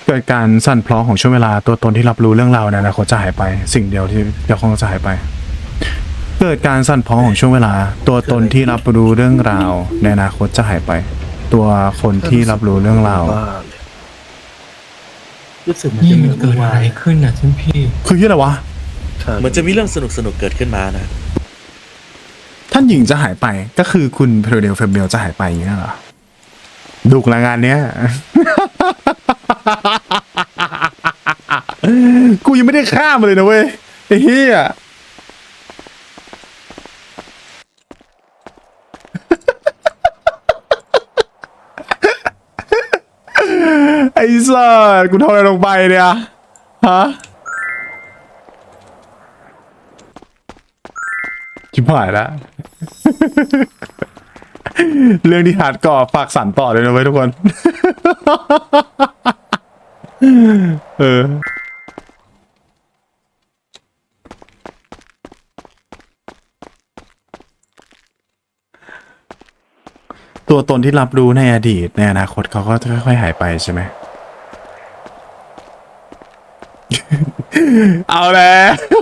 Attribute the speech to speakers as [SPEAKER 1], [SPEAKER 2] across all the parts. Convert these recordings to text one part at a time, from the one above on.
[SPEAKER 1] เกิดการสั่นคลอนของช่วงเวลาตัวตนที่รับรู้เรื่องราวในอนาคตจะหายไปสิ่งเดียวที่เดี๋ยวคงจะหายไปเกิดการสั่นคลอนของช่วงเวลาตัวตนที่รับรู้เรื่องราวในอนาคตจะหายไปตัวคนที่รับรู้เรื่องราว
[SPEAKER 2] รู้สึกมัน
[SPEAKER 3] นี่
[SPEAKER 2] จะ
[SPEAKER 3] มันเกิดอะไรขึ้นน่ะท่านพี่
[SPEAKER 1] คือที่อะไรวะ
[SPEAKER 4] เหมือนจะมีเรื่องสนุกเกิดขึ้นมานะ
[SPEAKER 1] ท่านหญิงจะหายไปก็คือคุณเพโรเดลเฟมเบลจะหายไปอย่างนี้เหรอดุกละงานเนี้ย กูยังไม่ได้ฆ่ามันเลยนะเว้ยไอ้เหี้ย ไอ้สัสกูทำอะไรลงไปเนี่ยฮะชิบหายแล้ว เรื่องที่ฮาร์ดก่อฝากสั่นต่อเลยนะเว้ยทุกคน เออตัวตนที่รับรู้ในอดีตในอนาคตเขาก็จะค่อยๆหายไปใช่ไหม เอาแล้ว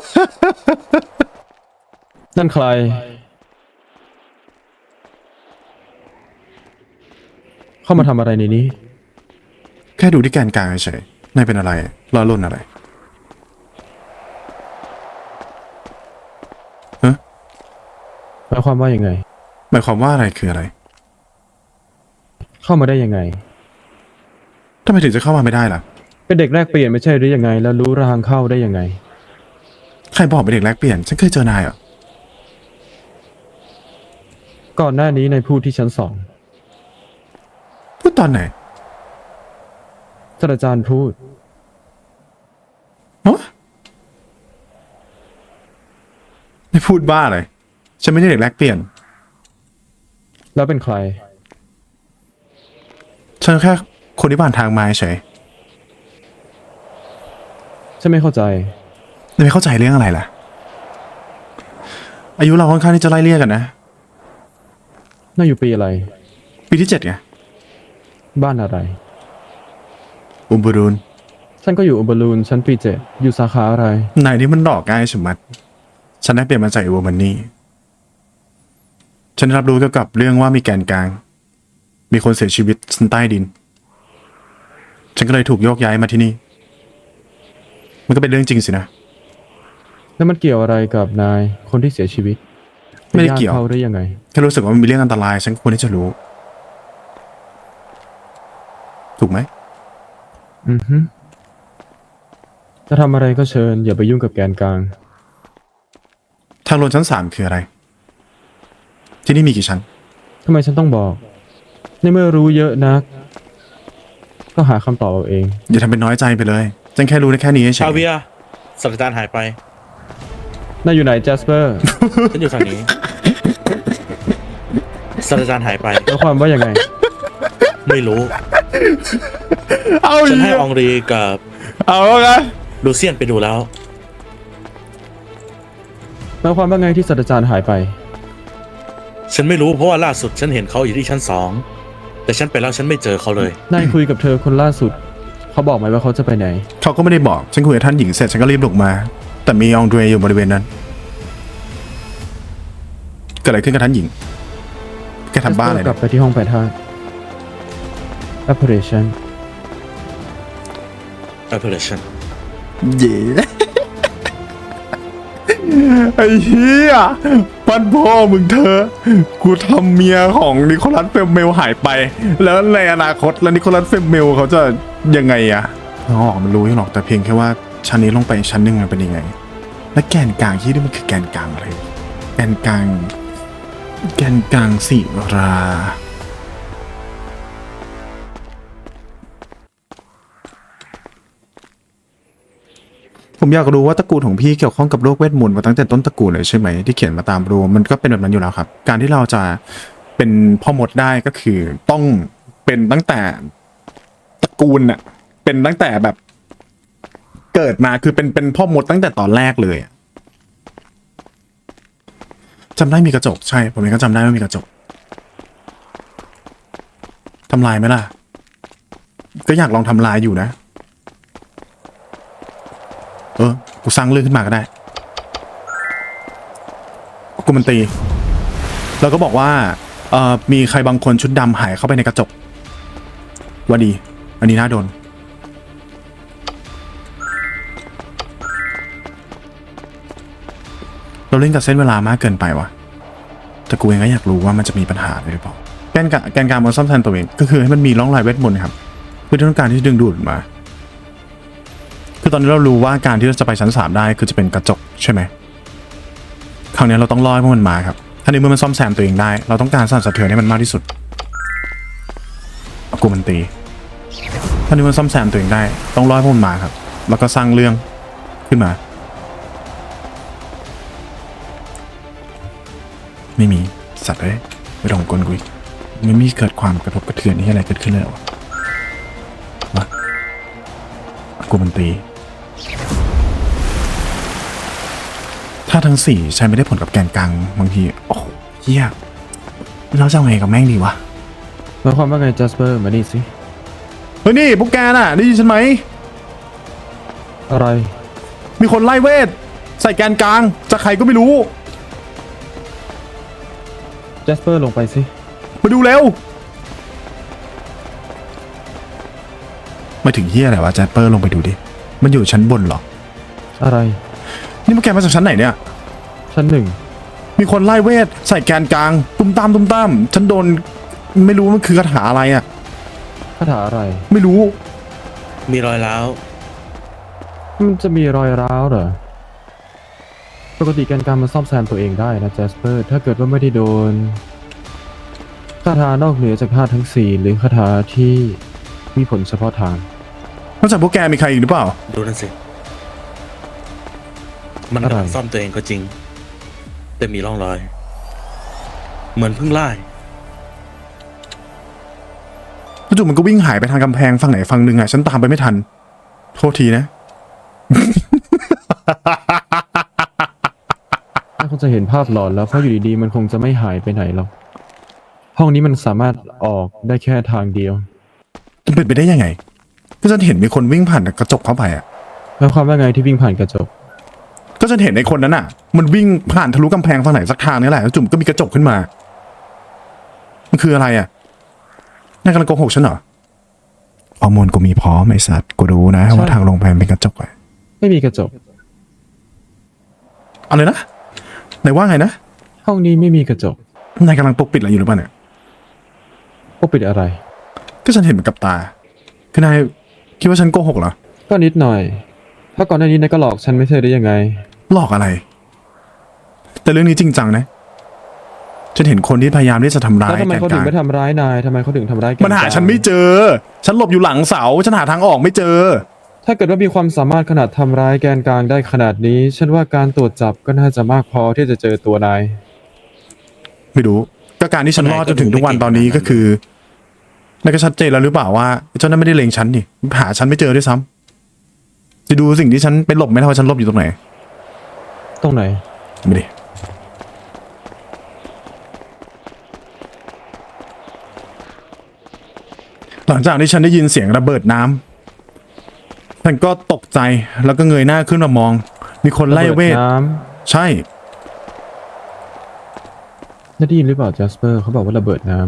[SPEAKER 5] นั่นใครเข้ามาทำอะไรในนี้
[SPEAKER 1] แค่ดูที่แกนกลางเฉยๆนายเป็นอะไรล้อล่นอะไรฮะ
[SPEAKER 5] หมายความว่ายังไง
[SPEAKER 1] หมายความว่าอะไรคืออะไร
[SPEAKER 5] เข้ามาได้ยังไง
[SPEAKER 1] ทำไมถึงจะเข้ามาไม่ได้ล่ะ
[SPEAKER 5] เป็นเด็กแรกเปลี่ยนไม่ใช่หรือยังไง แล้วรู้ทางเข้าได้ยังไง
[SPEAKER 1] ใครบอกเป็นเด็กแลกเปลี่ยนฉันเคยเจอนายเหรอ
[SPEAKER 5] ก่อนหน้านี้ในพูดที่ชั้น2
[SPEAKER 1] พูดตอนไหน
[SPEAKER 5] ศาสตราจารย์พูด
[SPEAKER 1] ฮะไม่พูดบ้าเลยฉันไม่ใช่เด็กแลกเปลี่ยน
[SPEAKER 5] แล้วเป็นใคร
[SPEAKER 1] ฉันแค่คนที่ผ่านทางมาเฉย
[SPEAKER 5] ฉันไม่เข้าใจ
[SPEAKER 1] ไม่เข้าใจเรื่องอะไรล่ะ อายุเราค่อนข้างที่จะไล่เลี่ยกันนะ
[SPEAKER 5] น่าอยู่ปีอะไร
[SPEAKER 1] ปีที่7ไง
[SPEAKER 5] บ้านอะไร
[SPEAKER 1] อุมบูรูน
[SPEAKER 5] ฉันก็อยู่อุบลูนชั้นปี7อยู่สาขาอะไร
[SPEAKER 1] นายนี่มันดอกง่ายชะมัด ฉันได้เปลี่ยนมาจากอีโวมันนี่ ฉันได้รับรู้เกี่ยวกับเรื่องว่ามีแกนกลาง มีคนเสียชีวิตชั้นใต้ดิน ฉันก็เลยถูกโยกย้ายมาที่นี่ มันก็เป็นเรื่องจริงสินะ
[SPEAKER 5] แล้วมันเกี่ยวอะไรกับนายคนที่เสียชีวิต
[SPEAKER 1] ไม่ได้เกี่ยว
[SPEAKER 5] ป็นญาติเขาได้ยังไง
[SPEAKER 1] แค่รู้สึกว่ามันมีเรื่องอันตราย ฉันควรที่จะรู้ ถูกไหม
[SPEAKER 5] อือฮึจะทำอะไรก็เชิญ อย่าไปยุ่งกับแกนกลาง
[SPEAKER 1] ทางลงชั้น3คืออะไร ที่นี่มีกี่ชั้น
[SPEAKER 5] ทำไมฉันต้องบอก ในเมื่อรู้เยอะนัก ก็หาคำตอบเอาเอง
[SPEAKER 1] อย่าทำเป็นน้อยใจไปเลย ฉันแค่รู้ได้แค่นี้เฉ
[SPEAKER 4] ชาย เวียศาสตราจารย์หายไป
[SPEAKER 5] นายอยู่ไหนแจสเปอร์
[SPEAKER 4] ฉันอยู่ทางนี้ศาสตราจารย์หายไป
[SPEAKER 5] แล้วความว่ายังไง
[SPEAKER 4] ไม่รู้
[SPEAKER 1] เอา
[SPEAKER 4] ฉันให้อองรีกับ
[SPEAKER 1] เอาแล้วกัน
[SPEAKER 4] ลูเซียนไปดูแล้ว
[SPEAKER 5] แล้วความว่าไงที่ศาสตราจารย์หายไป
[SPEAKER 4] ฉันไม่รู้เพราะว่าล่าสุดฉันเห็นเขาอยู่ที่ชั้น2แต่ฉันไปแล้วฉันไม่เจอเขาเลย
[SPEAKER 5] นายคุยกับเธอคนล่าสุด เขาบอกไหมว่าเขาจะไปไหน
[SPEAKER 1] เขาก็ไม่ได้บอก ฉันคุยกับท่านหญิงเสร็จฉันก็รีบลงมา แต่มีอองเดรอยู่บริเวณนั้น เกิดอะไรขึ้นกับท่านหญิง แกทำบ้าอะไร
[SPEAKER 5] กลั
[SPEAKER 1] เนี่
[SPEAKER 5] บ
[SPEAKER 1] ย
[SPEAKER 5] ไปที่ห้องแปดธาตุ Operation
[SPEAKER 4] Operation
[SPEAKER 1] เย่ไอ้เหี้ยปั้นพ่อมึงเธอ กูทำเมียของนิโคลัสเฟมเมลหายไป แล้วในอนาคตแล้วนิโคลัสเฟมเมลเขาจะยังไงอะอ๋อมันรู้หรอกแต่เพียงแค่ว่าชั้นนี้ลงไปชั้นหนึ่งมันเป็นยังไง และแกนกลางที่นี่มันคือแกนกลางอะไร แกนกลาง แกนกลางศิรา ผมอยากรู้ว่าตระกูลของพี่เกี่ยวข้องกับโลกเวทมนต์มาตั้งแต่ต้นตระกูลเลยใช่ไหมที่เขียนมาตามรูมันก็เป็นแบบนั้นอยู่แล้วครับ การที่เราจะเป็นพ่อมดได้ก็คือต้องเป็นตั้งแต่ตระกูลน่ะเป็นตั้งแต่แบบเกิดมาคือเป็นพ่อมดตั้งแต่ตอนแรกเลยจำได้มีกระจกใช่ผมเองก็จำได้ว่ามีกระจกทำลายไหมล่ะก็อยากลองทำลายอยู่นะกูสร้างเรื่องขึ้นมาก็ได้กูมันตีแล้วก็บอกว่ามีใครบางคนชุดดำหายเข้าไปในกระจกว่าดี อันนี้น่าโดนเราเล่นกับเส้นเวลามากเกินไปวะแต่กูเองก็อยากรู้ว่ามันจะมีปัญหาอะไรหรือเปล่าแกนการมันซ่อมแซมตัวเองก็คือให้มันมีร่องรอยเวทมนต์ครับเพื่อต้องการที่จะดึงดูดมาคือตอนนี้เรารู้ว่าการที่เราจะไปชั้น3ได้คือจะเป็นกระจกใช่ไหมคราวนี้เราต้องรอให้พวกมันมาครับถ้าในเมื่อมันซ่อมแซมตัวเองได้เราต้องการสั่นสะเทือนให้มันมากที่สุดกูมันตีถ้าในเมื่อซ่อมแซมตัวเองได้ต้องรอให้พวกมันมาครับแล้วก็สร้างเรื่องขึ้นมาไม่มีสัตว์เลยไม่ต้องกลกูอีกไม่มีเกิดความกระทบกระเทือนที่อะไรเกิดขึ้นเลยหรอวะกูมันตีถ้าทั้ง4ใช้ไม่ได้ผลกับแกนกลางบางทีโอ้โหเหี้ยเราจะเอาไงกับแม่งดีวะ
[SPEAKER 5] หมายความว่าไงจัสเปอร์มานี่สิ
[SPEAKER 1] เฮ้ยนี่พวกแกน่ะได้ยินฉันไหม
[SPEAKER 5] อะไร
[SPEAKER 1] มีคนไล่เวทใส่แกนกลางจากใครก็ไม่รู้
[SPEAKER 5] จัสเปอร์ลงไปสิ
[SPEAKER 1] มาดูเร็วมาถึงเฮียอะไรวะแจสเปอร์ลงไปดูดิมันอยู่ชั้นบนเหรอ
[SPEAKER 5] อะไร
[SPEAKER 1] นี่พวกแกมาจากชั้นไหนเนี่ย
[SPEAKER 5] ชั้นหนึ่ง
[SPEAKER 1] มีคนไล่เวทใส่แกนกลางตุ้มตามฉันโดนไม่รู้มันคือคาถาอะไรอ่ะ
[SPEAKER 5] คาถาอะไร
[SPEAKER 1] ไม่รู้
[SPEAKER 4] มีรอยร้าว
[SPEAKER 5] มันจะมีรอยร้าวเหรอ ปกติแกนกลางมันซ่อมแซมตัวเองได้นะจัสเปอร์ ถ้าเกิดว่าไม่ได้โดนคาถานอกเหนือจากธาตุทั้ง4หรือคาถาที่มีผลเฉพาะทาง
[SPEAKER 1] นอกจากพวกแกมีใครอีกหรือเปล่า
[SPEAKER 4] ดูนั่นสิ มัน
[SPEAKER 5] อะไร
[SPEAKER 4] กำลังซ่อมตัวเองก็จริง แต่มีร่องรอย เหมือนเพิ่งไล่
[SPEAKER 1] จู่ๆมันก็วิ่งหายไปทางกำแพงฝั่งไหนฝั่งหนึ่งอ่ะฉันตามไปไม่ทันโทษทีนะ
[SPEAKER 5] น่าคงจะเห็นภาพหลอนแล้วเพราะอยู่ดีๆมันคงจะไม่หายไปไหนหรอกห้องนี้มันสามารถออกได้แค่ทางเดียว
[SPEAKER 1] มันเป็นไปได้ยังไงก็ฉันเห็นมีคนวิ่งผ่านกระจกเข้าไปอ่ะ
[SPEAKER 5] หมายความว่าไงที่วิ่งผ่านกระจก
[SPEAKER 1] ก็ฉันเห็นในคนนั้นอ่ะ มันวิ่งผ่านทะลุกำแพงฝั่งไหนสักทางนี่แหละแล้วจุ่มก็มีกระจกขึ้นมามันคืออะไรอ่ะนายกำลังโกหกฉันเหรอข้อมูลกูมีพร้อมไอ้สัตว์กูรู้นะว่าทางลงไปมันเป็นกระจกอะ
[SPEAKER 5] ไม่มีกระจก
[SPEAKER 1] อะไรนะนายว่าไงนะ
[SPEAKER 5] ห้องนี้ไม่มีกระจก
[SPEAKER 1] นายกำลังปกปิดอะไรอยู่หรือเปล่าเนี่ย
[SPEAKER 5] ปกปิดอะไร
[SPEAKER 1] ก็ฉันเห็นมันกับตาคือนายคิดว่าฉันโกหกเหรอ
[SPEAKER 5] ก็นิดหน่อยถ้าก่อนหน้านี้นายก็หลอกฉันไม่ใช่ได้ยังไง
[SPEAKER 1] หลอกอะไร แต่เรื่องนี้จริงจังนะฉันเห็นคนที่พยายามที่จะทำร้า
[SPEAKER 5] แล้ว
[SPEAKER 1] ย
[SPEAKER 5] ทำไม
[SPEAKER 1] แกน
[SPEAKER 5] เขา
[SPEAKER 1] ก
[SPEAKER 5] ถึ
[SPEAKER 1] ลาง ง
[SPEAKER 5] ไม่ทำร้ายนายทำไมเขาถึงทำร้ายแก
[SPEAKER 1] มันหาฉันไม่เจอ ฉันหลบอยู่หลังเสาฉันหาทางออกไม่เจอ
[SPEAKER 5] ถ้าเกิดว่ามีความสามารถขนาดทำร้ายแกนกลางได้ขนาดนี้ ฉันว่าการตรวจจับก็น่าจะมากพอที่จะเจอตัวนาย
[SPEAKER 1] ไม่รู้ก็การที่ฉันรอดจนถึงทุกวันตอนนี้ก็คือนายก็ชัดเจนแล้วหรือเปล่าว่าเจ้านั้นไม่ได้เล็งฉันนี่หาฉันไม่เจอด้วยซ้ำจะดูสิ่งที่ฉันไปหลบไหมล่ะว่าฉันหลบอยู่ตรงไหน
[SPEAKER 5] ตรงไหน
[SPEAKER 1] ไม่ดิหลังจากที่ฉันได้ยินเสียงระเบิดน้ำฉันก็ตกใจแล้วก็เงยหน้าขึ้นมามอง มีคนไล่เวท
[SPEAKER 5] น้
[SPEAKER 1] ใช่
[SPEAKER 5] ำได้ยินหรือเปล่าจัสเปอร์เขาบอกว่าระเบิดน้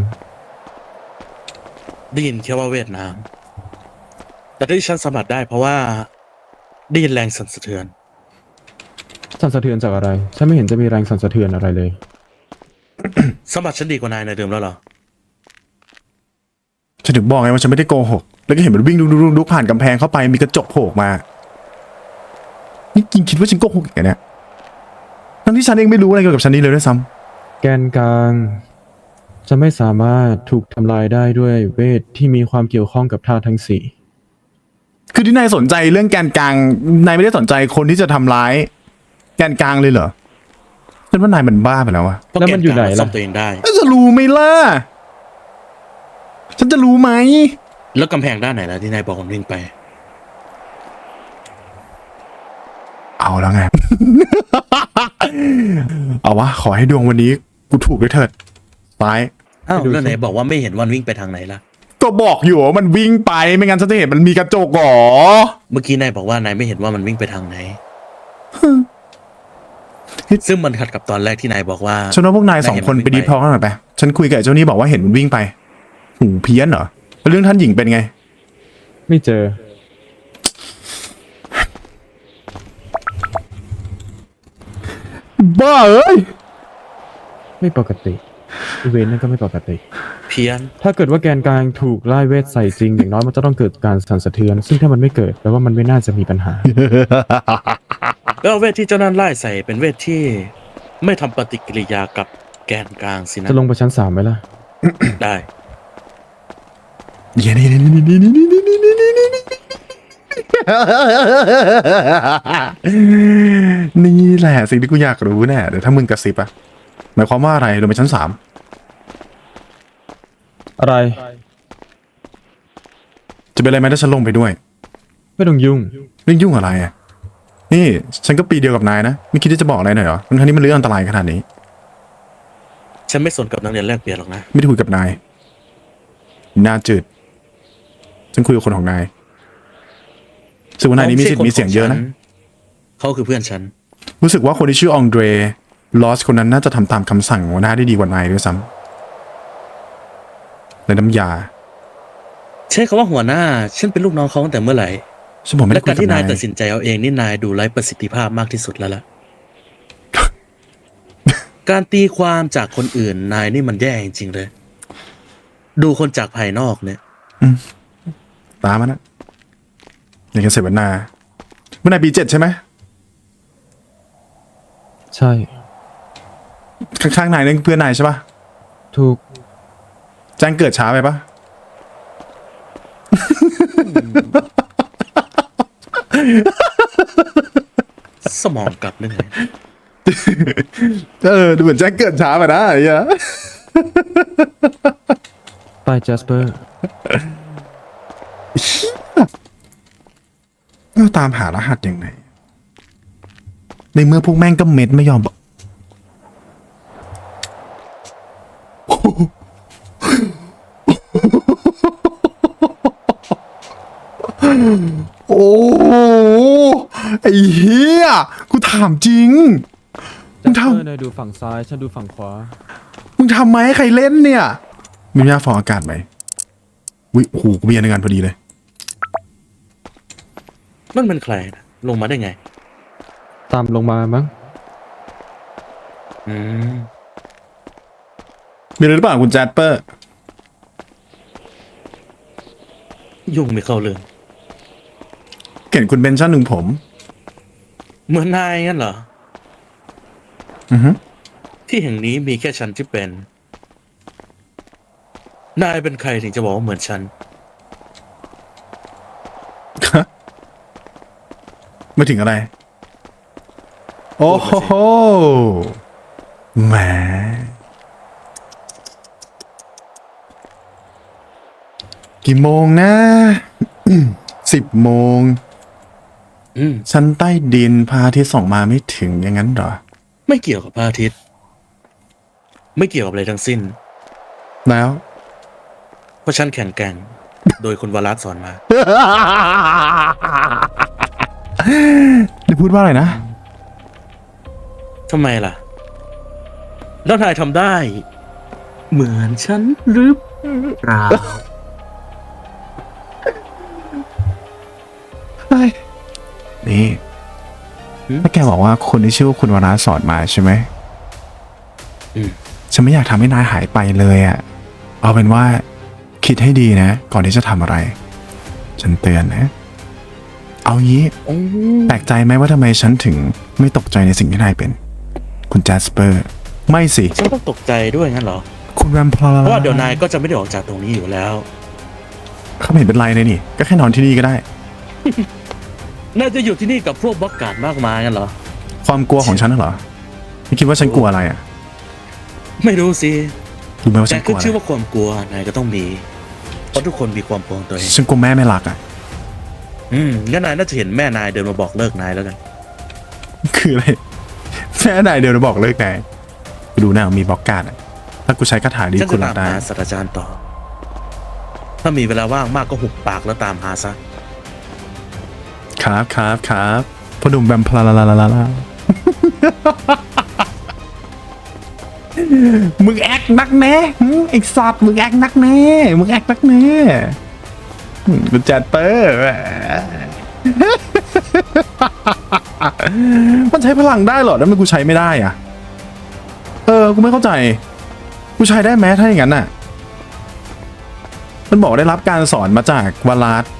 [SPEAKER 4] ได้ยินแค่ว่าเวียดนาม แต่ที่ฉันสัมผัสได้เพราะว่าได้ยินแรงสั่นสะเทือน
[SPEAKER 5] ำสั่นสะเทือนจากอะไร ฉันไม่เห็นจะมีแรงสั่นสะเทือนอะไรเลย
[SPEAKER 4] สัมผัสฉันดีกว่านายในเดิมแล้วเหรอ
[SPEAKER 1] ฉันถึงบอกไงว่าฉันไม่ได้โกหก แล้วก็เห็นมันวิ่งดุกผ่านกำแพงเข้าไปมีกระจกโผล่ออกมา นี่จริงคิดว่าฉันโกหกอย่างเนี้ยทั้งที่ฉันเองไม่รู้อะไรเกี่ยวกับฉันนี่เลยด้วยซ้
[SPEAKER 5] แกนกลางจะไม่สามารถถูกทำลายได้ด้วยเวทที่มีความเกี่ยวข้องกับธาตุทั้ง4
[SPEAKER 1] ำคือที่นายสนใจเรื่องแกนกลาง นายไม่ได้สนใจคนที่จะทำร้ายแกนกลางเลยเหรอ ฉันว่านายมันบ้าไปแล้วอะ
[SPEAKER 4] เพราะ
[SPEAKER 5] แล้ว
[SPEAKER 4] แก
[SPEAKER 5] มัน
[SPEAKER 4] น
[SPEAKER 5] อยู่
[SPEAKER 4] ก
[SPEAKER 5] ไหน
[SPEAKER 4] ลาง
[SPEAKER 5] ล่ะ
[SPEAKER 4] ซ่อมตัวเองได้
[SPEAKER 1] จะรู้ไหมล่ะ ฉันจะรู้ไหม
[SPEAKER 4] แล้วกำแพงด้านไหนล่ะที่นายบอกผมวิ่งไป
[SPEAKER 1] เอาแล้วไง เอาวะ ขอให้ดวงวันนี้กูถูกด้วยเถิดตาย
[SPEAKER 4] อ้าว
[SPEAKER 5] ไปดู
[SPEAKER 4] แล้วไหน
[SPEAKER 5] สิ
[SPEAKER 4] บอกว่าไม่เห็นวันวิ่งไปทางไหนล่ะ
[SPEAKER 1] ก็บอกอยู่ว่ามันวิ่งไปไม่งั้นฉันจะเห็นมันมีกระจกหรอ
[SPEAKER 4] เมื่อกี้นายบอกว่านายไม่เห็นว่ามันวิ่งไปทางไหนซึ่งมันขัดกับตอนแรกที่นายบอกว่า
[SPEAKER 1] ฉันว่าพวกนายสองคนไปดีพอกันหน่อยไปฉันคุยกับไอ้เจ้านี่บอกว่าเห็นมันวิ่งไปหูเพี้ยนเหรอแล้วเรื่องท่านหญิงเป็นไง
[SPEAKER 5] ไม่เจอ
[SPEAKER 1] บ้าเอ้ย
[SPEAKER 5] ไม่ปกติอีเวนต์นั่นก็ไม่ปกติ
[SPEAKER 4] เพี้ยน
[SPEAKER 5] ถ้าเกิดว่าแกนกลางถูกไล่เวทใส่จริงอย่างน้อยมันจะต้องเกิดการสั่นสะเทือน ซึ่งถ้ามันไม่เกิดแปลว่ามันไม่น่าจะมีปัญหา
[SPEAKER 4] แล้วเวทที่เจ้านั่นไล่ใส่เป็นเวทที่ไม่ทำปฏิกิริยากับแกนกลางสินะ
[SPEAKER 5] จะลงไปชั้น3ไหมล่ะ
[SPEAKER 4] ได้
[SPEAKER 1] นี่แหละสิ่งที่กูอยากรู้แน่เดี๋ยวถ้ามึงกระซิบอะหมายความว่าอะไรลงไปชั้น 3
[SPEAKER 5] อะไร
[SPEAKER 1] จะเป็นอะไรไหมถ้าฉันลงไปด้วย
[SPEAKER 5] ไม่ต้องยุ่ง
[SPEAKER 1] เรื่องยุ่งอะไรอะนี่ฉันก็ปีเดียวกับนายนะไม่คิดที่จะบอกอะไรหน่อยเหรอทั้งนี้มันเรื่องอันตรายขนาดนี้
[SPEAKER 4] ฉันไม่สนกับนักเรียนแลกเปลี่ยนหรอกนะ
[SPEAKER 1] ไม่ได้คุยกับนายหน้าจืดฉันคุยกับคนของนายซึ่งว่านายนี้มีสิทธิ์มีเสียงเยอะนะ
[SPEAKER 4] เขาคือเพื่อนฉัน
[SPEAKER 1] รู้สึกว่าคนที่ชื่อองเดรลอสคนนั้นน่าจะทำตามคำสั่งหัวหน้าได้ดีกว่านายด้วยซ้ำในน้ำยา
[SPEAKER 4] ใช้คำว่าหัวหน้า ฉันเป็นลูกน้องเขาตั้งแต่เมื่อไหร่
[SPEAKER 1] ฉันบอกไม่
[SPEAKER 4] และ
[SPEAKER 1] ได้คุ
[SPEAKER 4] กาย ร
[SPEAKER 1] กับาย
[SPEAKER 4] ที่นานตัดสินใจเอาเองนี่นายดูไร้ประสิทธิภาพมากที่สุดแล้วล่ะ การตีความจากคนอื่นนายนี่มันแย่จริงๆเลย ดูคนจากภายนอกเนี่ย
[SPEAKER 1] ตามมันนะอย่างกันเสวนาเมื่อนายปี7ใช่ไหม
[SPEAKER 5] ใช่
[SPEAKER 1] ข้างๆนายนั่นเพื่อนนายใช่ปะ
[SPEAKER 5] ถูก
[SPEAKER 1] แจ้งเกิดช้าไปปะ
[SPEAKER 4] สมองกลับเรื่องไง
[SPEAKER 1] ดูเหมือนแจ้งเกิดช้าไปนะไอ้เหี้ย
[SPEAKER 5] ไปแจสเปอร์
[SPEAKER 1] เราตามหารหัสยังไงในเมื่อพวกแม่งก็เม็ดไม่ยอมบอก โอ้โหไอ้เหี้ยกูถามจริง
[SPEAKER 5] แจสเปอร์นายดูฝั่งซ้าย ฉันดูฝั่งขวา
[SPEAKER 1] มึงทำไหมให้ใครเล่นเนี่ย มียาฟองอากาศไหมวิโอ้โหกูมีอันในงานพอดีเลย
[SPEAKER 4] นั่นเป็นใครนะลงมาได้ไง
[SPEAKER 5] ตามลงมามั้ง
[SPEAKER 4] อืม
[SPEAKER 1] มีอะไรหรือเปล่าคุณแจสเปอร์
[SPEAKER 4] ยุ่งไม่เข้าเรื่อง
[SPEAKER 1] เห็นคุณเป็นชั้นหนึ่งผม
[SPEAKER 4] เหมือนนายงั้นเหรอ
[SPEAKER 1] อือฮึ
[SPEAKER 4] ที่แห่งนี้มีแค่ฉันที่เป็น นายเป็นใครถึงจะบอกว่าเหมือนฉัน
[SPEAKER 1] ไม่ถึงอะไร โอ้โหแหมกี่โมงนะ 10 โมง
[SPEAKER 4] อืม
[SPEAKER 1] ชั้นใต้ดินพระอาทิตย์ส่องมาไม่ถึงอย่างนั้นเหรอ
[SPEAKER 4] ไม่เกี่ยวกับพระอาทิตย์ ไม่เกี่ยวกับอะไรทั้งสิ้น
[SPEAKER 1] แล้ว
[SPEAKER 4] เพราะฉันแข็งแกร่ง โดยคุณวรัตน์สอนมา
[SPEAKER 1] ได้พูดว่าอะไรนะ
[SPEAKER 4] ทำไมล่ะ แล้วนายทำได้ เหมือนฉันหรือเปล่า
[SPEAKER 1] นี่
[SPEAKER 4] หืม
[SPEAKER 1] ถ้าแกบอกว่าคนที่ชื่อว่าคุณวราสอนมาใช่ไหม
[SPEAKER 4] อืม
[SPEAKER 1] ฉันไม่อยากทำให้นายหายไปเลยอะเอาเป็นว่าคิดให้ดีนะ ก่อนที่จะทำอะไร ฉันเตือนนะ เอางี้
[SPEAKER 4] โอ้
[SPEAKER 1] แปลกใจไหมว่าทำไมฉันถึงไม่ตกใจในสิ่งที่นายเป็น คุณแจสเปอร์ ไม่สิ
[SPEAKER 4] ฉันต้องตกใจด้วยงั้นเหรอ
[SPEAKER 1] คุณแวมไพร์
[SPEAKER 4] เพราะว่าเดี๋ยวนายก็จะไม่ได้ออกจากตรงนี้อยู่แล้ว
[SPEAKER 1] เขาไม่เห็นเป็นไรเลยนี่ ก็แค่นอนที่นี่ก็ได้
[SPEAKER 4] น่าจะอยู่ที่นี่กับพวกบล็อกการ์ดมากมายงั้นเหรอ
[SPEAKER 1] ความกลัวของฉันน่ะเหรอไม่คิดว่าฉันกลัวอะไรอะ
[SPEAKER 4] ไม่รู้สิ
[SPEAKER 1] รู้ไหมว่า
[SPEAKER 4] แต่
[SPEAKER 1] ฉันก
[SPEAKER 4] ขึ้
[SPEAKER 1] ลั
[SPEAKER 4] น
[SPEAKER 1] วอะไร
[SPEAKER 4] ชื่อว่าความกลัวนายก็ต้องมี เพราะทุกคนมีความกลัวของตัวเอง
[SPEAKER 1] ฉันกลัวแม่ไม่รักอะ
[SPEAKER 4] งั้นนายน่าจะเห็นแม่นายเดินมาบอกเลิกนายแล้วกัน
[SPEAKER 1] คืออะไรแม่นายเดี๋ยวบอกเลิกนายไปดูหน้ามีบล็อกการ์ดอะถ้ากูใช้คาถาดี
[SPEAKER 4] ฉัน
[SPEAKER 1] คุ
[SPEAKER 4] จะ
[SPEAKER 1] ณรั
[SPEAKER 4] ตา
[SPEAKER 1] บ
[SPEAKER 4] ม
[SPEAKER 1] ได้
[SPEAKER 4] หาศาสตราจารย์ต่อ ถ้ามีเวลาว่างมากก็หุบปากแล้วตามหาซะ
[SPEAKER 1] ครับครับครับพอหนุ่มแบมพลาลาลาลาลามึงแอคนักแน่ไอ้สัตว์มึงแอคนักแน่มึงแอคนักแน่กูจัดเปอร์มันใช้พลังได้เหรอแล้วมันกูใช้ไม่ได้อ่ะกูไม่เข้าใจกูใช้ได้ไหมถ้าอย่างนั้นน่ะมันบอกได้รับการสอนมาจากวาลาส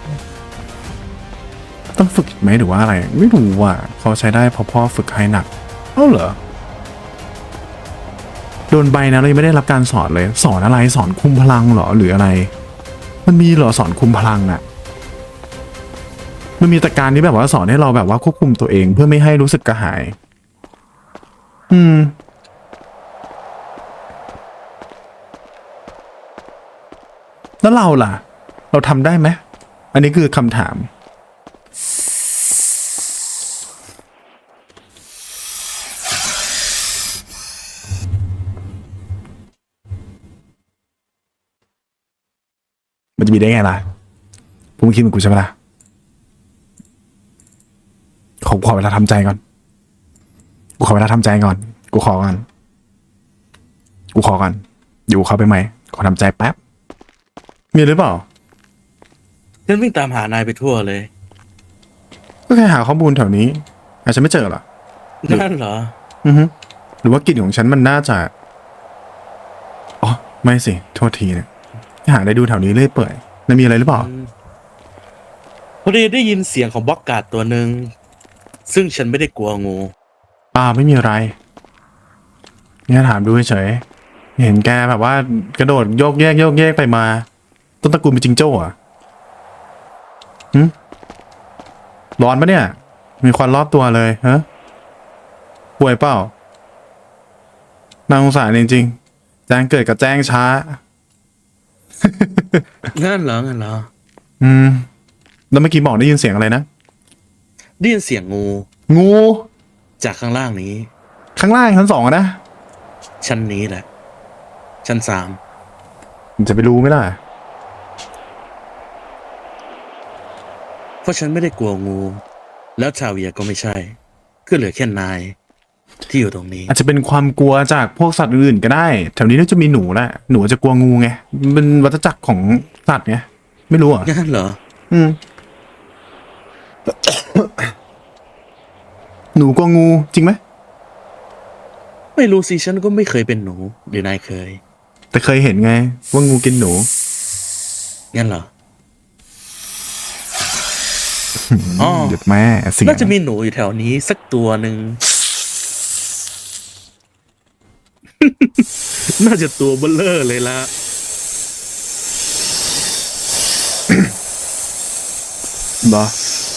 [SPEAKER 1] ต้องฝึกไหมหรือว่าอะไรไม่รู้ว่ะเขาใช้ได้เพราะพ่อฝึกให้หนักเหรอโดนใบนะเรายังไม่ได้รับการสอนเลยสอนอะไรสอนคุมพลังเหรอหรืออะไรมันมีเหรอสอนคุมพลังอะมันมีแต่การที่แบบว่าสอนให้เราแบบว่าควบคุมตัวเองเพื่อไม่ให้รู้สึกกระหายแล้วเราล่ะเราทำได้ไหมอันนี้คือคำถามมันจะมีได้ไงล่ะผมคิดเหมือนกูใช่ไหมล่ะขอเวลาทำใจก่อนกูขอเวลาทำใจก่อนกูขอก่อนอยู่เขาไปไหมขอทำใจแป๊บมีหรือเปล่า
[SPEAKER 4] ฉันวิ่งตามหานายไปทั่วเลย
[SPEAKER 1] ก็แค่หาข้อมูลแถวนี้อาจจะไม่เจอหรอ
[SPEAKER 4] นั่นเหรอ
[SPEAKER 1] หรือว่ากลิ่นของฉันมันน่าจะอ๋อไม่สิโทษทีเนี่ยหาได้ดูแถวนี้เรื่อยเปื่อยแล้วมีอะไรหรือเปล่า
[SPEAKER 4] พอดีได้ยินเสียงของบล็อกการ์ดตัวหนึ่งซึ่งฉันไม่ได้กลัวงู
[SPEAKER 1] ไม่มีอะไรเนี่ยถามดูเฉยๆเห็นแกแบบว่ากระโดดโยกแยกไปมาต้นตระกูลเป็นจิงโจ้อะร้อนปะเนี่ยมีควันรอบตัวเลยฮะป่วยเปล่าน่าสงสารจริงๆแจ้งเกิดกับแจ้งช้า
[SPEAKER 4] งั้นเหรอ
[SPEAKER 1] แล้วเมื่อกี้บอกได้ยินเสียงอะไรนะ
[SPEAKER 4] ได้ยินเสียงงู
[SPEAKER 1] งู
[SPEAKER 4] จากข้างล่างนี้
[SPEAKER 1] ข้างล่างชั้นสองอะนะ
[SPEAKER 4] ชั้นนี้แหละ ชั้น
[SPEAKER 1] มันจะไปรู้ไหมล่ะ
[SPEAKER 4] 3เพราะฉันไม่ได้กลัวงู แล้วชาเวียก็ไม่ใช่ก็เหลือแค่นายที่อยู่ตรงนี้
[SPEAKER 1] อาจจะเป็นความกลัวจากพวกสัตว์อื่นๆก็ได้แถวนี้น่าจะมีหนูแหละหนูจะกลัวงูไงมันเป็นวัฏจักรของสัตว์ไงไม่รู้อ่ะ
[SPEAKER 4] งั้นเหรอ
[SPEAKER 1] หนูกลัวงูจริงไหม
[SPEAKER 4] ไม่รู้สิฉันก็ไม่เคยเป็นหนูหรือนายเคย
[SPEAKER 1] แต่เคยเห็นไงว่างูกินหนู
[SPEAKER 4] งั้นเหรอ อ๋อ
[SPEAKER 1] เด็ดแม่เสียง
[SPEAKER 4] น่าจะมีหนูอยู่แถวนี้สักตัวหนึ่ง น่าจะตัวเบลเลอร์เลยละ
[SPEAKER 1] เหรอ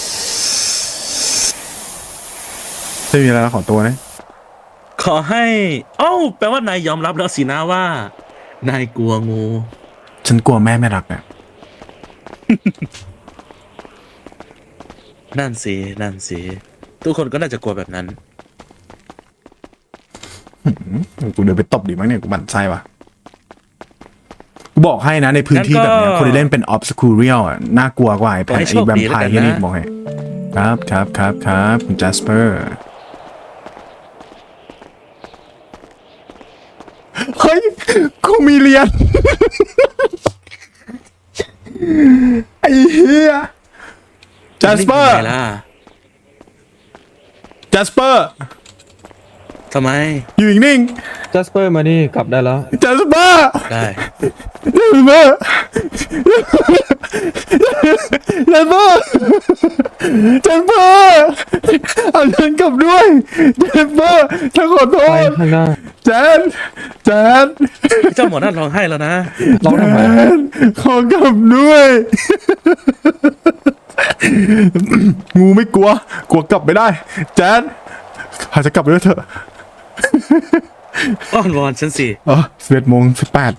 [SPEAKER 1] ไม่มีอะไรแล้วขอตัวนะ
[SPEAKER 4] ขอให้แปลว่านายยอมรับแล้วสินะว่า นายกลัวงู
[SPEAKER 1] ฉันกลัวแม่ไม่รักอ่ะ
[SPEAKER 4] นั่นสิทุกคนก็น่าจะกลัวแบบนั้น
[SPEAKER 1] กูเดินไปตบดิมั้งเนี่ยกูหมั่นไส้ว่ะกูบอกให้นะในพื้นที่
[SPEAKER 4] งั้
[SPEAKER 1] แบบ
[SPEAKER 4] นก็
[SPEAKER 1] เนี้ยคนที่เล่นเป็น obscurial อ่ะน่ากลัวกว่าไอ้แผ่
[SPEAKER 4] ขอให้
[SPEAKER 1] น
[SPEAKER 4] โช
[SPEAKER 1] ไอ้
[SPEAKER 4] ค
[SPEAKER 1] แวม
[SPEAKER 4] ดี
[SPEAKER 1] ไพ
[SPEAKER 4] แล้วกั
[SPEAKER 1] ร์
[SPEAKER 4] น
[SPEAKER 1] ที่
[SPEAKER 4] นะ
[SPEAKER 1] นี่บอกให้ครับคุณ Jasper เฮ้ยกูมีเรียน ไอ้เหี้ย Jasper
[SPEAKER 4] นี่เป็นไงล่ะ
[SPEAKER 1] Jasper
[SPEAKER 4] ทำไม
[SPEAKER 1] อยู่นิ่ง
[SPEAKER 5] จัสเปอร์มานี่กลับได้แล้ว
[SPEAKER 1] ๆ Jasper
[SPEAKER 4] ได้
[SPEAKER 1] Jasper Jasper เอาฉันกลับด้วย Jasper ฉันขอโท
[SPEAKER 5] ไป
[SPEAKER 1] ษ
[SPEAKER 5] ข้างหน้า
[SPEAKER 1] แจน
[SPEAKER 4] เจ้าหมอนั่นร้องไห้แล้วนะ
[SPEAKER 5] ร้องทำไม
[SPEAKER 1] ขอกลับด้วย งูไม่กลัวกลับไม่ได้แจนพาจะกลับไปด้วยเถอะ
[SPEAKER 4] อ้อนวอนฉันสิ
[SPEAKER 1] 11:18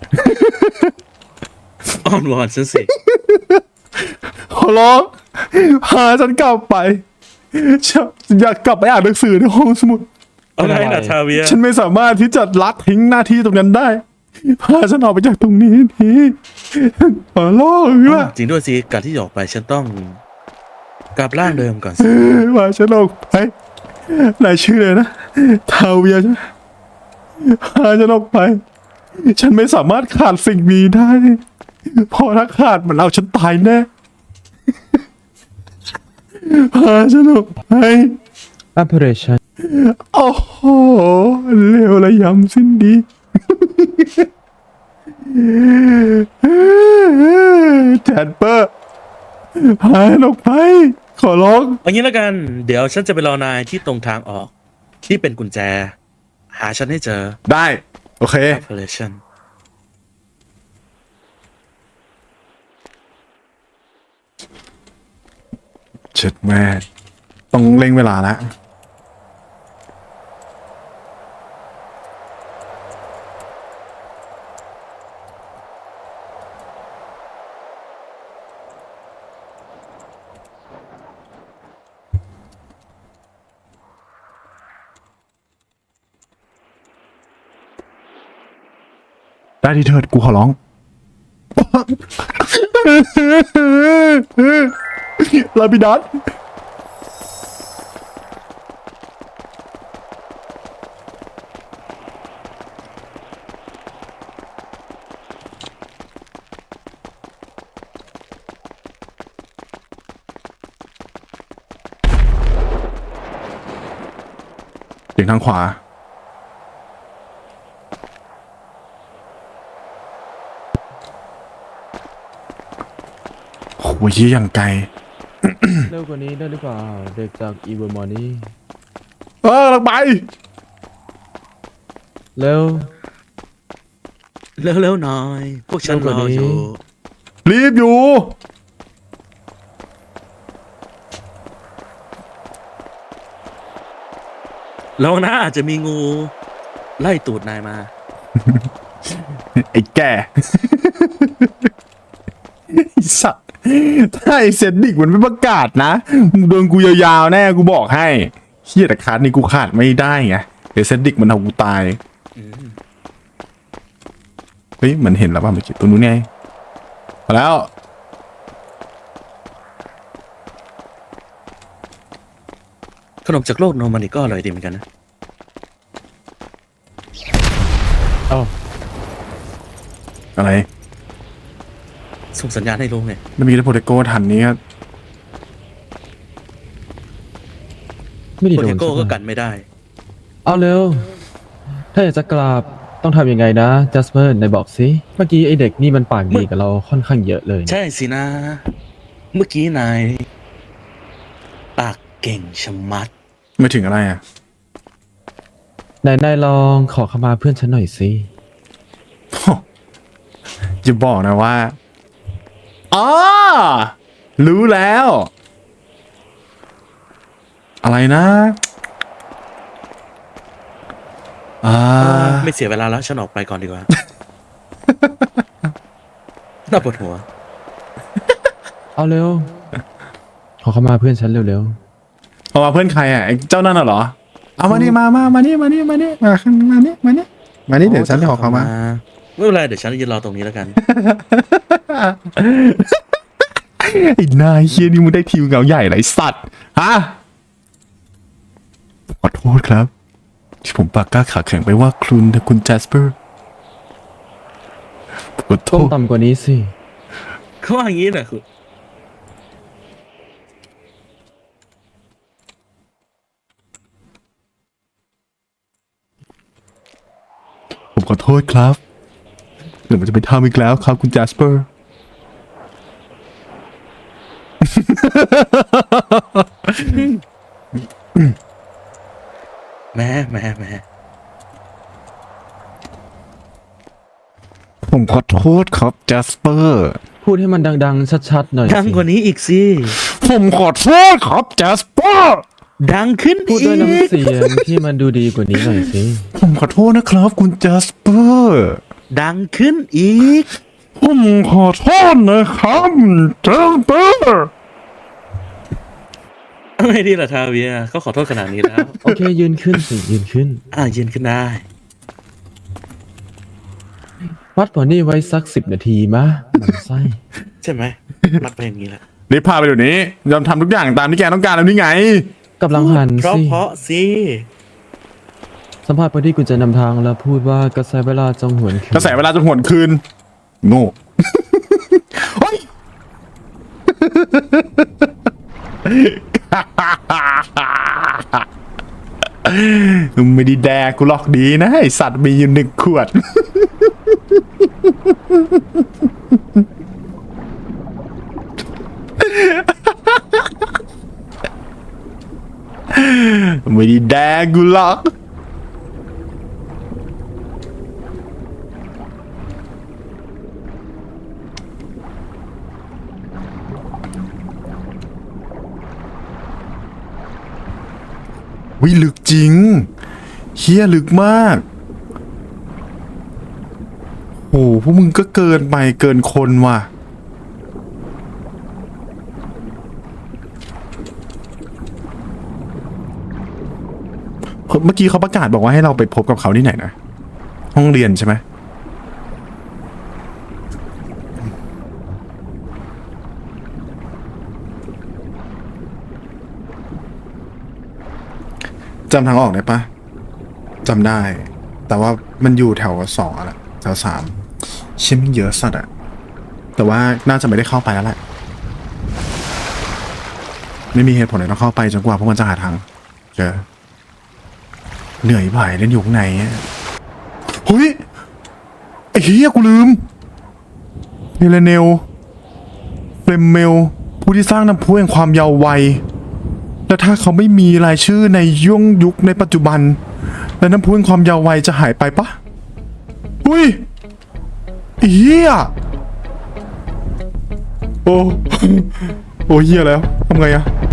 [SPEAKER 4] อ้อนวอนฉันสิ
[SPEAKER 1] ขอร้องพาฉันกลับไปฉันอยากกลับไปอ่านหนังสือในห้องสมุด
[SPEAKER 4] อะไรนะชาเวีย
[SPEAKER 1] ฉันไม่สามารถที่จะละทิ้งหน้าที่ตรงนั้นได้พาฉันออกไปจากตรงนี้ทีขอร้องละ
[SPEAKER 4] จริงด้วยสิการที่จะออกไปฉันต้องกลับร่างเดิมก่อนสิ
[SPEAKER 1] มาฉันออกไปนายชื่อเลยนะทาเวียใช่ไหมพาฉันออกไป ฉันไม่สามารถขาดสิ่งนี้ได้เพอถ้าขาดมันเอาฉันตายแน่พาฉันออกไป
[SPEAKER 5] operation
[SPEAKER 1] โอ้โหเลวระยำสิ้นดีแจนเปอร์พาฉันออกไป ขอร้อง
[SPEAKER 4] เอางี้แล้วกัน เดี๋ยวฉันจะไปรอนายที่ตรงทางออก ที่เป็นกุญแจ หาฉันให้เจอ
[SPEAKER 1] ได้ โอเค
[SPEAKER 4] operation
[SPEAKER 1] เช็ดแม่ต้องเร่งเวลาแล้วได้ที่เถิดกูขอร้อง ลาบิดัสเสียงทางขวา โหยี่อย่างไกล
[SPEAKER 5] เร็วกว่านี้ได้หรือเปล่า เด็กจากอีเวอร์มอนี่
[SPEAKER 1] ลังไป
[SPEAKER 5] เร็ว
[SPEAKER 4] เร็วๆหน่อย พวกฉันรออยู่
[SPEAKER 1] รีบอยู่
[SPEAKER 4] แล้วนะอาจจะมีงู ไล่ตูดนายมา
[SPEAKER 1] ไอ้แก่ ไอ้สัตว์ถ้าไอ้เซนดิกมันไม่ประกาศนะมึงโดนกูยาวๆแน่กูบอกให้เฮียแต่คัดนี่กูขาดไม่ได้ไงเดี๋ยวเซนดิกมันเอากูตาย เฮ้ยเหมือนเห็นแล้วป่ะเมื่อกี้ตัวนู้นไงมาแล้ว
[SPEAKER 4] ขนมจากโลกโนมันอีกก็อร่อยดีเหมือนกันนะ
[SPEAKER 5] เอ้า
[SPEAKER 1] อะไร
[SPEAKER 4] ส่งสัญญาณให้รู้ไง
[SPEAKER 1] แล้วมีแค่โปเตโก้ทันนี้ก็
[SPEAKER 5] ไม่ได้
[SPEAKER 4] โป
[SPEAKER 5] โด
[SPEAKER 4] เท
[SPEAKER 5] น
[SPEAKER 4] โก้
[SPEAKER 5] ใช่
[SPEAKER 4] ก็
[SPEAKER 5] ไหม
[SPEAKER 4] กันไม่ได้
[SPEAKER 5] เอาเร็ว ถ้าอยากจะกราบต้องทำยังไงนะจัสเปอร์นายบอกสิ เมื่อกี้ไอเด็กนี่มันปากดีกับเราค่อนข้างเยอะเลยนะ
[SPEAKER 4] ใช่สินะ เมื่อกี้นาย ปากเก่งชะมัด
[SPEAKER 1] ไม่ถึงอะไรอ่ะ
[SPEAKER 5] นายลองขอขมาเพื่อนฉันหน่อยสิ
[SPEAKER 1] จะบอกนะว่าอ๋อรู้แล้ว อะไรนะ
[SPEAKER 4] ไม่เสียเวลาแล้ว ฉันออกไปก่อนดีกว่า น่าปวดหัว
[SPEAKER 5] เอาเร็ว ขอขมาเพื่อนฉันเร็ว
[SPEAKER 1] เอามาเพื่อนใครอ่ะไอ้เจ้านั่นน่ะเหรอ เอามานี่มานี่มาขึ้นมานี่เดี๋ยวฉันจะขอเขามา
[SPEAKER 4] ไม่เป็นไรเดี๋ยวฉันยืนรอตรงนี้แล้วกัน
[SPEAKER 1] ไอ้นายเฮียนี่มึงได้ทีมเงาใหญ่ไรสัตว์ฮะขอโทษครับ ที่ผมปากกล้าขาแข็งไปว่าคุณแจสเปอร์ขอ
[SPEAKER 5] ๆ
[SPEAKER 1] โท
[SPEAKER 5] ต้อง
[SPEAKER 1] ษ
[SPEAKER 5] ต่ำกว่านี้สิ
[SPEAKER 4] เขาว่าอย่างนี้นะคุณ
[SPEAKER 1] ผมขอโทษครับเดี๋ยวมันจะไปทำอีกแล้วครับคุณแจสเปอร์
[SPEAKER 4] แม่
[SPEAKER 1] ผมขอโทษครับแจสเปอร์
[SPEAKER 5] พูดให้มันดังๆ ชัดๆหน่อย
[SPEAKER 4] ดัง
[SPEAKER 5] สิ
[SPEAKER 4] กว่านี้อีกสิ
[SPEAKER 1] ผมขอโทษครับแจสเปอร์
[SPEAKER 4] ดังขึ้น
[SPEAKER 5] พูด
[SPEAKER 4] อี
[SPEAKER 5] ด้วย
[SPEAKER 4] ก
[SPEAKER 5] น้ำเสียงที่มันดูดีกว่านี้หน่อยสิ
[SPEAKER 1] ผมขอโทษนะครับคุณแจสเปอร์
[SPEAKER 4] ดังขึ้นอีก
[SPEAKER 1] ผมขอโทษนะครับแจสเปอร์
[SPEAKER 4] ไม่ดีล่ะทาเวียเขาขอโทษขนาดนี้แล้ว
[SPEAKER 5] โอเคยืนขึ้นสิยืนขึ้น
[SPEAKER 4] ยืนขึ้นได้
[SPEAKER 5] วัดผลนี่ไว้สัก10 นาทีมะหมันไส้
[SPEAKER 4] ใช่ไหมรัดไปอย่างนี้แหละ
[SPEAKER 1] รีบพาไปเดี๋ยวนี้ยอมทำทุกอย่างตามที่แกต้องการแล้วนี่ไง
[SPEAKER 5] กำลังหัน
[SPEAKER 4] เพราะ
[SPEAKER 5] สิ
[SPEAKER 4] เพราะสิ
[SPEAKER 5] สัมภาษณ์ไปที่กุญแจนำทางแล้วพูดว่ากระแสเวลาจงหวนคืน
[SPEAKER 1] กระแสเวลาจะหวนคืน โง่ เฮ้ย ไม่ได้แดกกูหรอกดีนะไอสัตว์มีอยู่1 ขวด ไม่ได้แดกกูหรอกวิลึกจริงเฮียลึกมากโหพวกมึงก็เกินไปเกินคนว่ะเมื่อกี้เขาประกาศบอกว่าให้เราไปพบกับเขาที่ไหนนะห้องเรียนใช่ไหมจำทางออกได้ปะจำได้ แต่ว่ามันอยู่แถว2อะแหละแถว3เชี่ยมันเยอะสัตว์อะแต่ว่าน่าจะไม่ได้เข้าไปแล้วแหละไม่มีเหตุผลไหนต้องเข้าไปจนกว่าพวกมันจะหาทางเจอเหนื่อยบ่ายเล่นอยู่ข้างในอะเฮ้ยไอ้เหี้ยกูลืมเฮเลเนลเฟรมเมลผู้ที่สร้างน้ำพุแห่งความเยาว์วัยและถ้าเขาไม่มีรายชื่อในยุคในปัจจุบันแล้วน้ำพุแห่งความเยาว์วัยจะหายไปปะอุ้ยไอ้เหี้ยโอ้ โอ้เหี้ยแล้วทำไงอะ